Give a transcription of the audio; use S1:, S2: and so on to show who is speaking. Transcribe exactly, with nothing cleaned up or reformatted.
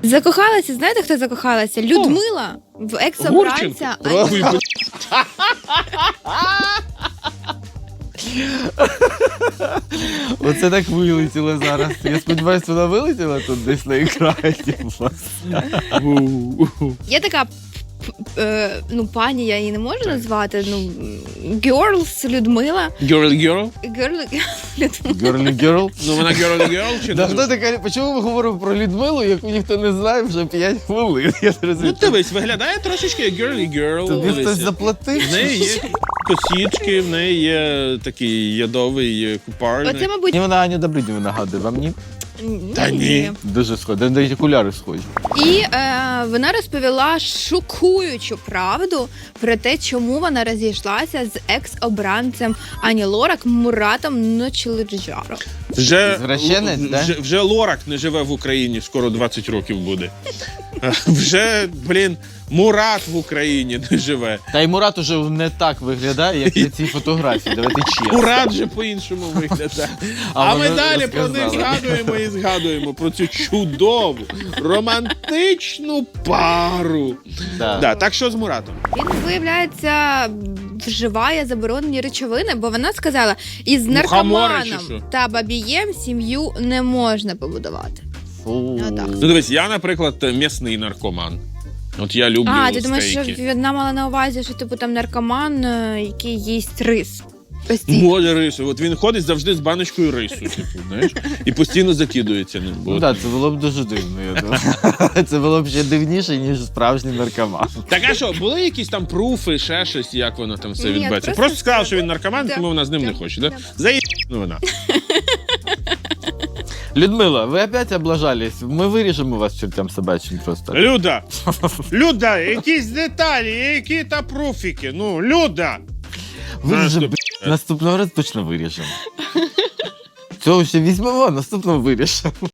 S1: Закохалася, знаєте, хто закохалася? Людмила в екс-обранця.
S2: Гурченко.
S3: Оце так вилетіло зараз. Я сподіваюся, вона вилетіла тут десь на екрані у вас.
S1: Є така, е, ну, пані, я її не можу назвати, ну, Girls Людмила.
S2: Girl girl?
S1: Girl, Людмила.
S3: Girly girl.
S2: Ну вона girl girl чи
S3: Да
S2: не?
S3: хто така? Чому ми говоримо про Людмилу, яку ніхто не знає вже п'ять хвилин? Я не
S2: Ну
S3: розумію.
S2: дивись, виглядає трошечки як girly girl.
S3: Тобі хтось
S2: Дивись.
S3: заплатив?
S2: В неї є косічки, в неї є такий ядовий купальник.
S1: Оце, мабуть,
S3: Ні, вона Аню Добриднєву нагадує, вам ні?
S2: Та ні.
S3: Дуже схоже, навіть окуляри схожі.
S1: І е, вона розповіла шокуючу правду про те, чому вона розійшлася з екс-обранцем Ані Лорак Муратом Ночеледжаром.
S2: Вже,
S3: Звращенець, да?
S2: вже, вже Лорак не живе в Україні, скоро двадцять років буде. Вже, блін, Мурат в Україні не живе.
S3: Та й Мурат уже не так виглядає, як на цій фотографії, давайте чесно.
S2: Мурат же по-іншому виглядає.
S3: А
S2: А, ми
S3: вони
S2: далі про них
S3: розказали.
S2: згадуємо і згадуємо про цю чудову, романтичну пару.
S3: Да.
S2: Да, так що з Муратом?
S1: Він, виявляється, вживає заборонені речовини, бо вона сказала, із
S2: Мухомори чи
S1: наркоманом
S2: що?
S1: та бабієм сім'ю не можна побудувати.
S3: Фу.
S1: Ну, так.
S2: Ну дивись, я, наприклад, м'ясний наркоман. От я люблю
S1: А, ти думаєш, що
S2: стейки.
S1: вона мала на увазі, що типу там наркоман, е, який їсть рис? Постійно.
S2: Може рису. От він ходить завжди з баночкою рису, типу, знаєш, і постійно закидується ним.
S3: Ну
S2: От.
S3: так, це було б дуже дивно, я думаю. Це було б ще дивніше, ніж справжній наркоман.
S2: Так а що, були якісь там пруфи, ще щось, як воно там все
S1: Ні,
S2: відбувається?
S1: просто
S2: Просто сказав,
S1: сказала.
S2: що він наркоман,
S1: Да.
S2: тому вона з ним
S1: Да.
S2: не хоче, да?
S1: Да.
S2: Заїб вона.
S3: Людмила, ви опять облажались. Ми виріжемо вас чертям собачим просто.
S2: Люда! Люда, якісь деталі, які та пруфіки. Ну, Люда!
S3: Виріжемо. Наступного разу точно виріжемо. Цього ще візьмемо, наступного вирішимо.